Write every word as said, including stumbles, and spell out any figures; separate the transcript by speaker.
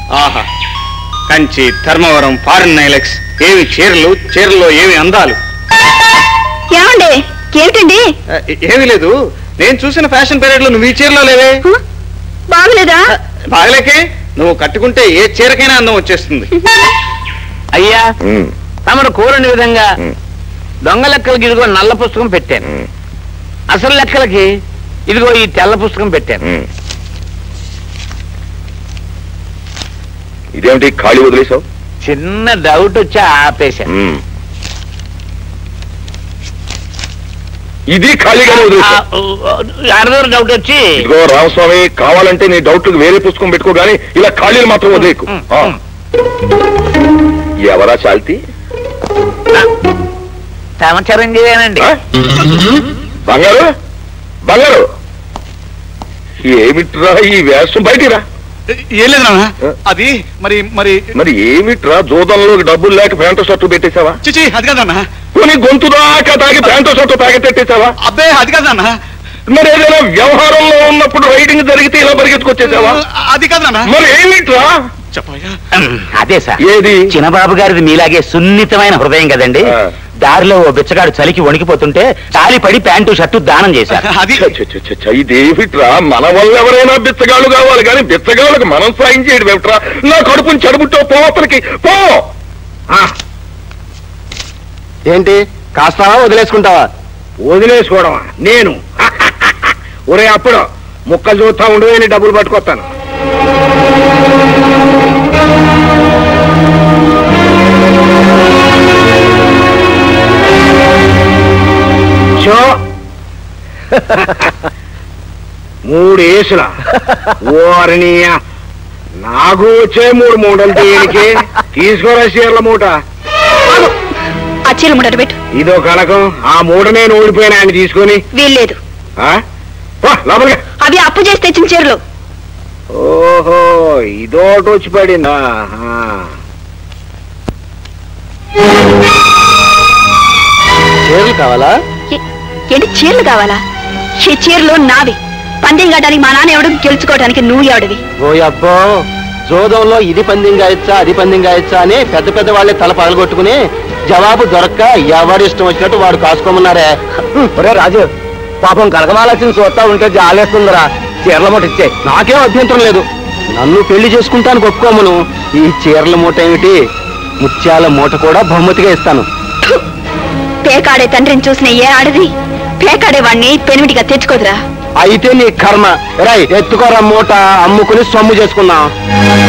Speaker 1: ఆహా, Kanchi, Dharmavaram, foreign nylex, ఏవి చీరలు, చీరల్లో ఏవి అందాలు.
Speaker 2: ఏమండి, ఏమిటండి?
Speaker 1: ఏమీ లేదు, నేను చూసిన ఫ్యాషన్ పీరియడ్ లో నువ్వు ఈ చీరలో లేవే.
Speaker 2: బాగలేదా?
Speaker 1: బాగలేకే, నువ్వు కట్టుకుంటే ఏ చీరకైనా అందం వచ్చేస్తుంది.
Speaker 3: అయ్యా, తమరు కోరని విధంగా దొంగ లెక్కలకి ఇదిగో నల్ల పుస్తకం పెట్టాను, అసలు లెక్కలకి ఇదిగో ఈ తెల్ల పుస్తకం పెట్టాను.
Speaker 4: ఇదేమిటి ఖాళీ వదిలేసావు?
Speaker 3: చిన్న డౌట్ వచ్చి ఆపేశాను.
Speaker 4: ఇది ఖాళీగానే వదిలేసావు?
Speaker 3: యారదో డౌట్ వచ్చి.
Speaker 4: ఇదిగో రామస్వామి, కావాలంటే నీ డౌట్లకు వేరే పుస్తకం పెట్టుకో గానీ ఇలా ఖాళీలు మాత్రం వదిలేకు. ఎవరా చాల్తి?
Speaker 3: తమ చిరంజీవేనండి.
Speaker 4: బంగారు, బంగారు, ఏమిట్రా ఈ వేషం? బయటిరా.
Speaker 1: ఏం లేదు నాన్న, అది మరి మరి
Speaker 4: మరి ఏమిట్రా జోదంలో డబ్బులు లేక ప్యాంటు షర్టు పెట్టేశావా?
Speaker 1: చిచి, అది కాదన్నా.
Speaker 4: కొని గొంతు దాకా తాగి ప్యాంటు షర్టు తాగెట్టేసావా?
Speaker 1: అబ్బే, అది కాదన్నా.
Speaker 4: మరి ఏదైనా వ్యవహారంలో ఉన్నప్పుడు రైడింగ్ జరిగితే ఇలా పరిగెత్తుకొచ్చేసావా?
Speaker 1: అది కాదన్నా.
Speaker 4: మరి ఏమిట్రా?
Speaker 3: అదే సార్,
Speaker 4: ఏది?
Speaker 3: చిన్నబాబు గారిది మీలాగే సున్నితమైన హృదయం కదండి. దారిలో ఓ బిచ్చగాడు చలికి వణికిపోతుంటే తాలి పడి ప్యాంటు షర్టు దానం చేశారు.
Speaker 4: ఇదేమిట్రా? మన వల్ల ఎవరైనా బిచ్చగాళ్ళు కావాలి కానీ బిచ్చగాళ్ళకి మనం సాయం చేయడం ఏమిట్రా? నా కడుపుని చెడుబుట్టో పోవతలకి పో.
Speaker 5: ఏంటి, కాస్తావా వదిలేసుకుంటావా?
Speaker 6: వదిలేసుకోవడమా? నేను ఒరే అప్పుడు ముక్కలు చూస్తా ఉండు, నేను డబ్బులు పట్టుకొస్తాను. మూడు ఏసుల ఓరిని నాకు వచ్చే మూడు మూటలు దేనికి? తీసుకోరా చీరల మూట.
Speaker 2: ఆ చీర మూట పెట్టు.
Speaker 6: ఇదో కనకం, ఆ మూట నేను ఓడిపోయినా ఆయన తీసుకొని.
Speaker 2: వీల్లేదు. అవి అప్పు చేసి తెచ్చిన చీరలు.
Speaker 6: ఓహో, ఇదోటి వచ్చి పడిందా?
Speaker 5: చీరలు కావాలా?
Speaker 2: ఏంటి చీరలు కావాలా? ఈ చీరలు నావి. పందెం కట్టడానికి మా నాన్న ఎవడు, గెలుచుకోవడానికి నువ్వు ఎవడివి?
Speaker 5: ఓ అబ్బో, జోదంలో ఇది పందెం గాయచ్చా అది పందెం గాయచ్చా అని పెద్ద పెద్ద వాళ్ళే తల పగలగొట్టుకుని జవాబు దొరక్క ఎవరి ఇష్టం వచ్చినట్టు వాడు కాసుకోమన్నారే.
Speaker 6: ఒరే రాజు, పాపం కనకమాలక్ష్మి చూస్తా ఉంటే జాలేస్తుందిరా. చీరల మూట ఇచ్చే.
Speaker 5: నాకేం అభ్యంతరం లేదు, నన్ను పెళ్లి చేసుకుంటాను ఒప్పుకోమను. ఈ చీరల మూట ఏమిటి, ముత్యాల మూట కూడా బహుమతిగా ఇస్తాను.
Speaker 2: పేకాడే తండ్రిని చూసిన ఏ ఆడది పేకాడే వాడిని పెనిమిటిగా తెచ్చుకోదురా.
Speaker 5: అయితే నీ కర్మ. రై, ఎత్తుకోరా మూట, అమ్ముకుని సొమ్ము చేసుకున్నాం.